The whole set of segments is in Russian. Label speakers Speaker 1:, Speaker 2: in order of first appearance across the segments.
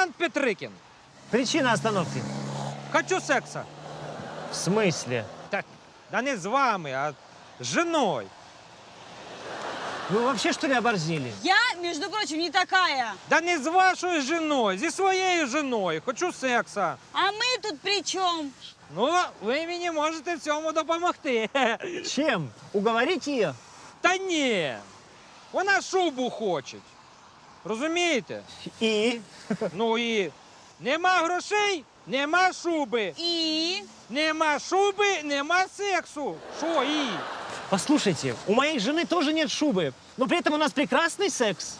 Speaker 1: Лейтенант Петрикін,
Speaker 2: Причина остановки?
Speaker 1: хочу секса.
Speaker 2: В смысле?
Speaker 1: Так, да не з вами, а з жіною.
Speaker 2: Вы вообще, что ли, оборзели?
Speaker 3: Я, между прочим, не такая.
Speaker 1: Да не з вашою жіною, зі своєю жіною. Хочу секса.
Speaker 3: А мы тут при чем?
Speaker 1: Ну, ви мені можете в цьому допомогти.
Speaker 2: Чем? Уговорить ее?
Speaker 1: Та ні. Вона шубу хоче. Розумієте?
Speaker 2: И?
Speaker 1: Ну і нема грошей, нема шуби.
Speaker 3: И?
Speaker 1: Нема шуби, нема сексу. Що і?
Speaker 2: Послушайте, у моей жены тоже нет шубы, но при этом у нас прекрасный секс.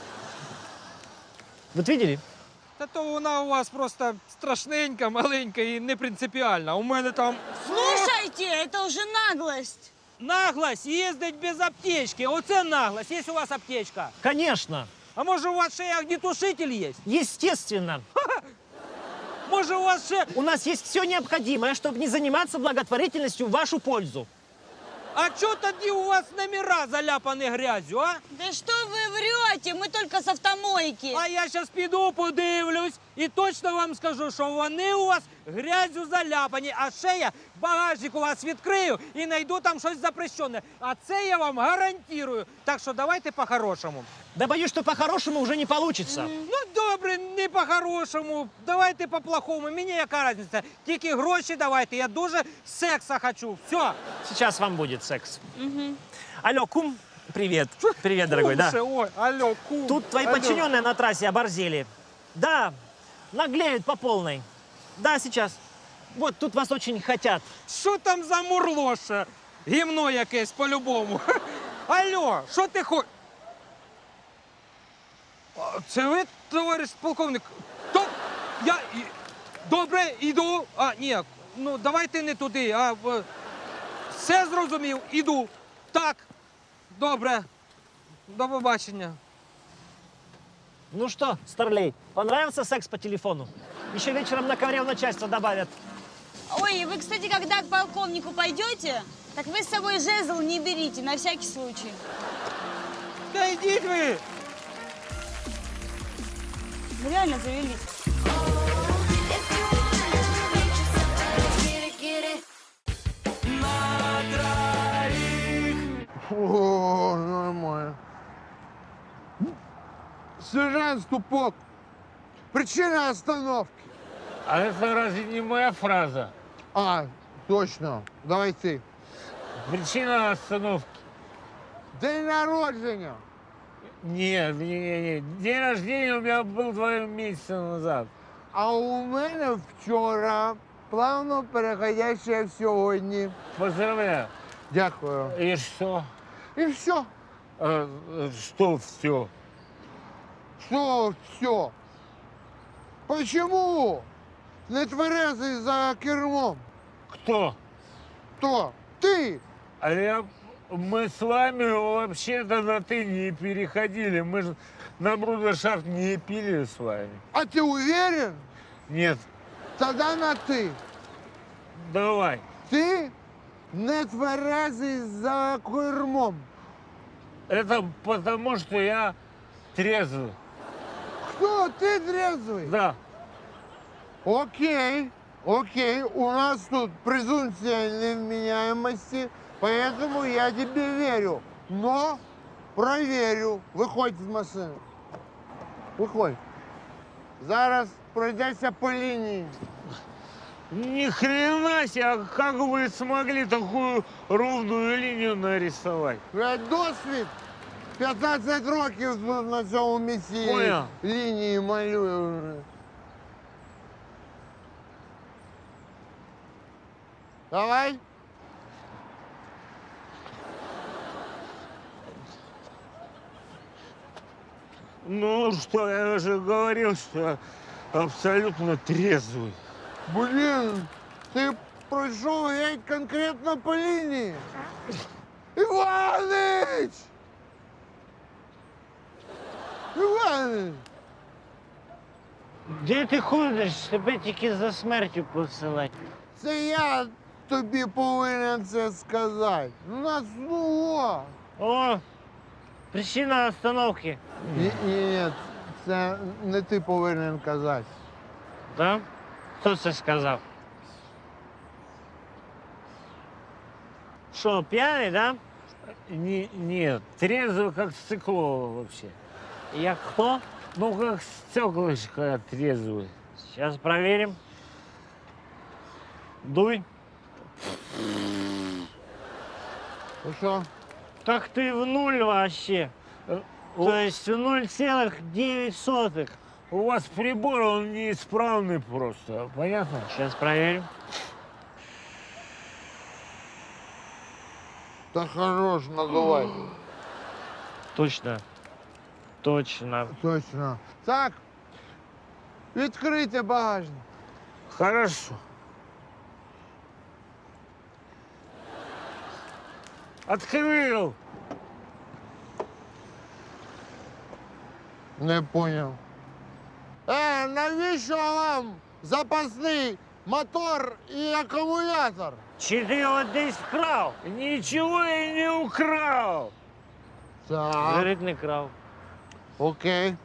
Speaker 2: Вот видели?
Speaker 1: Та то вона у вас просто страшненька, маленька і не принципіальна. У мене там
Speaker 3: Слушайте, это уже наглость.
Speaker 1: наглость їздить без аптечки. Оце наглость. Є у вас аптечка?
Speaker 2: Конечно.
Speaker 1: А може у вас ще й огнетушитель є?
Speaker 2: Естественно.
Speaker 1: Може у вас ще...
Speaker 2: У нас есть все необходимое, чтобы не заниматься благотворительностью в вашу пользу.
Speaker 1: А чого тоді у вас номера заляпані грязю, а?
Speaker 3: Да что вы врете? Мы только с автомойки.
Speaker 1: А я зараз піду, подивлюсь і точно вам скажу, що вони у вас грязю заляпані. А ще я багажник у вас відкрию і знайду там щось запрещене. А це я вам гарантую. Так що давайте по-хорошому.
Speaker 2: Да боюсь, что по-хорошему уже не получится.
Speaker 1: Ну добре, не по-хорошому. Давайте по-плохому. Мені яка різниця? Тільки гроші давайте. Я дуже секса хочу. Все.
Speaker 2: Сейчас вам будет секс. Алло, кум, привет. Привет, дорогой, да.
Speaker 1: Ой, алло, кум.
Speaker 2: Тут твои
Speaker 1: Алло.
Speaker 2: подчиненные на трассе оборзели. Да, наглеют по полной. Да, сейчас. Вот, тут вас очень хотят.
Speaker 1: Що там за мурлоше? Гімно якесь по-любому. Алло, що ти хочеш? Це ви, товариш полковник? То я... Добре, іду. А, ні, ну давайте не туди. Все зрозумів, іду. Так, добре. До побачення.
Speaker 2: Ну что, старлей, понравился секс по телефону? Еще вечером на ковре в начальство добавят.
Speaker 3: Ой, вы, кстати, когда к полковнику пойдете, так вы с собой жезл не берите, на всякий случай.
Speaker 1: Та йдіть ви!
Speaker 3: Вы реально завелись.
Speaker 4: О, нормально. Сержант Ступок, причина остановки.
Speaker 5: А это разве не моя фраза?
Speaker 4: А, точно. Давай ты.
Speaker 5: Причина остановки.
Speaker 4: День народження.
Speaker 5: Нет, нет. День рождения у меня был 2 месяца назад.
Speaker 4: А у мене вчора плавно переходяще в сьогодні.
Speaker 5: Поздравляю.
Speaker 4: Дякую.
Speaker 5: И что?
Speaker 4: І все.
Speaker 5: Что все?
Speaker 4: Що все? Почему не тверезий за кермом?
Speaker 5: Кто?
Speaker 4: Хто? Ти?
Speaker 5: Мы с вами вообще-то на «ты» не переходили. Мы же на брудершафт не пили с вами.
Speaker 4: А ти уверен?
Speaker 5: Нет,
Speaker 4: Тогда на ти.
Speaker 5: давай.
Speaker 4: Ти не тверезий за кермом.
Speaker 5: Это потому, что я трезвый.
Speaker 4: Хто? Ти трезвий?
Speaker 5: Да.
Speaker 4: Окей, окей. У нас тут презумпция невменяемости, поэтому я тебе верю. Но проверю. Виходь з машини. Виходь. Зараз пройдешся по лінії.
Speaker 5: Ни хрена себе, а как вы смогли такую ровную линию нарисовать?
Speaker 4: Я досвід. 15 років тут на цьому місці
Speaker 5: Понял.
Speaker 4: лінії малюю вже. Давай.
Speaker 5: Ну что, я уже говорил, что я абсолютно трезвый.
Speaker 4: Блін, ти пройшов геть конкретно по лінії. Іванич! Іванич!
Speaker 2: Где ты ходишь? Тебе тільки за смертю посилать.
Speaker 4: Це я тобі повинен це сказати. У нас ну.
Speaker 2: О, причина остановки.
Speaker 4: Ні, це не ти повинен казати.
Speaker 5: Да? Хто це сказав?
Speaker 2: Что, пьяный, да?
Speaker 5: Нет, трезвый, как стекло вообще.
Speaker 2: Я кто?
Speaker 5: Ну, как стеклышко трезвый.
Speaker 2: Сейчас проверим. Дуй.
Speaker 4: Ну що?
Speaker 2: Так ты в нуль вообще. То есть в 0,9.
Speaker 5: У вас прибор, он неисправный просто, понятно?
Speaker 2: Сейчас проверим.
Speaker 4: Та хорош, надувай.
Speaker 2: Точно. Точно.
Speaker 4: Точно. Так, відкрийте багажник.
Speaker 5: Хорошо. Открыл.
Speaker 4: Не поняв. Навіщо вам запасний мотор і акумулятор?
Speaker 2: Чи ти його десь вкрав?
Speaker 5: Ничего я не украл.
Speaker 4: Так,
Speaker 2: Говорить, не крав.
Speaker 4: окей.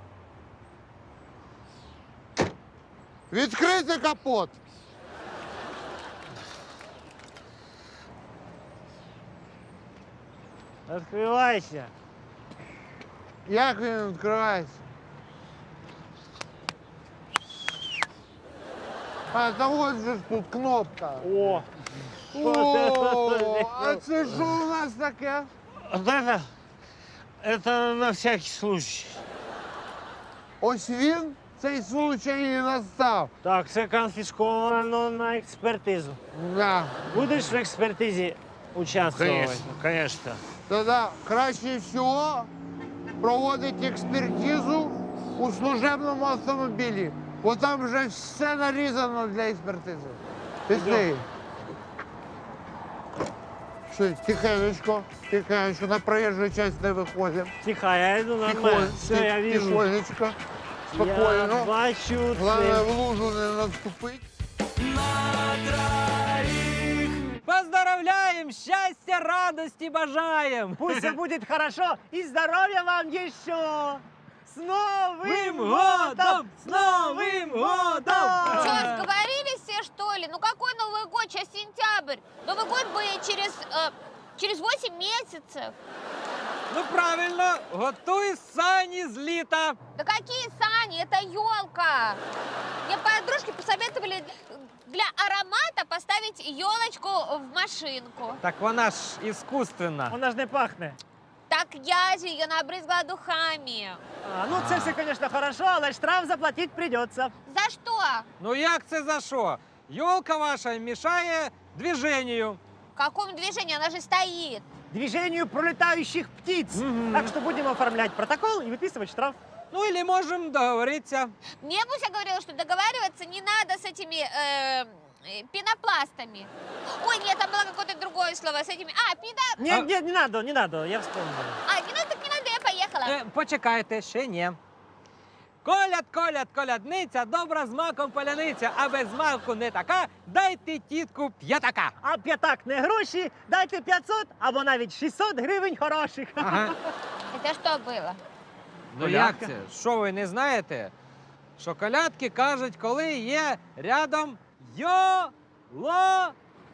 Speaker 4: Відкрийте капот.
Speaker 2: Відкривайся.
Speaker 4: Як він відкривається? Та ось же ж тут кнопка.
Speaker 2: О!
Speaker 4: О, а це що у нас таке?
Speaker 5: Вот это на всякий случай.
Speaker 4: Ось він, цей случай і настав.
Speaker 2: Так, це конфісковано на експертизу.
Speaker 4: Да.
Speaker 2: Будеш в експертизі участвувати?
Speaker 5: Конечно, конечно.
Speaker 4: Тоді краще всього проводити експертизу у служебному автомобілі. Бо там вже все нарізано для експертизи. Пішли. Що, тихенечко, тихенечко, на проїжджу частину не виходимо.
Speaker 2: Тихо, я йду нормально. Все, я вижу.
Speaker 4: Тихонечко,
Speaker 2: Я
Speaker 4: спокійно.
Speaker 2: бачу
Speaker 4: Головне,
Speaker 2: це.
Speaker 4: в лужу не наступити.
Speaker 1: Поздравляем! Счастья, радости бажаем!
Speaker 2: Пусть все будет хорошо и здоровья вам еще! С Новым
Speaker 1: Новым
Speaker 2: годом!
Speaker 1: годом! С Новым годом!
Speaker 6: Что, сговорились все, что ли? Ну какой Новый год? Сейчас сентябрь. Новый год будет через 8 месяцев.
Speaker 1: Ну правильно, готуй сані з літа.
Speaker 6: Да какие сани? Это елка. Мне подружки посоветовали для аромата поставить елочку в машинку.
Speaker 1: Так вона ж іскусственна.
Speaker 2: Вона ж не пахне.
Speaker 6: Так я же ее набрызгала духами.
Speaker 2: Ну, це все, конечно, хорошо, але штраф заплатить придется.
Speaker 6: За что?
Speaker 1: Ну як це за що? Йолка ваша мішає движенню.
Speaker 6: Какому движению? Она же стоит.
Speaker 2: Движению пролетающих птиц. Так что будем оформлять протокол и выписывать штраф.
Speaker 1: Ну, или можемо договоритися.
Speaker 6: Мне Буся говорила, что договариваться не надо с этими пенопластами. Ой, нет, там было какое-то другое слово с этими.
Speaker 2: Нет, нет, не надо, я вспомнил.
Speaker 6: Не надо, так не надо, я поехала.
Speaker 1: Почекайте, ще ні. Коляд, коляд, колядниця, добра з маком поляниця, а без маку не така, дайте тітку п'ятака.
Speaker 2: А п'ятак не гроші, дайте 500 або навіть 600 гривень хороших.
Speaker 1: Ага.
Speaker 6: Это что было?
Speaker 1: Ну як це? Що ви не знаєте? Що колядки кажуть, коли є рядом йолочка.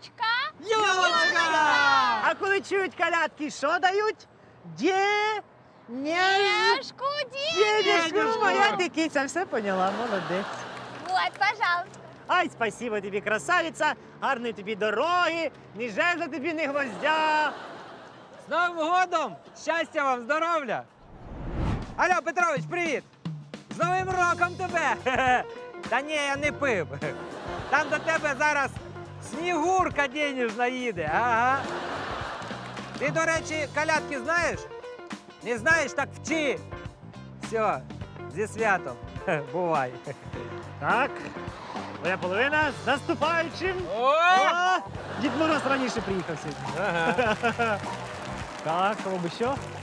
Speaker 2: А коли чують колядки, що дають? Денежку.
Speaker 6: Денежку,
Speaker 2: Денежку. Моя ти киця, все поняла, молодець.
Speaker 6: Вот, пожалуйста.
Speaker 2: Ай, спасибо тобі, красавиця, гарної тобі дороги, ні жезла тобі, ні гвоздя.
Speaker 1: З Новим годом! Щастя вам, здоров'я! Алло, Петрович, привіт! З Новим роком тебе! Та ні, я не пив. Там до тебе зараз Снігурка денежна їде, ага. Ти, до речі, колядки знаєш? Не знаєш, так вчи. Все, зі святом. Бувай.
Speaker 2: Так, моя половина з наступаючим.
Speaker 1: О!
Speaker 2: Дід Мороз раніше приїхав сьогодні.
Speaker 1: Ага.
Speaker 2: Так, кого б що?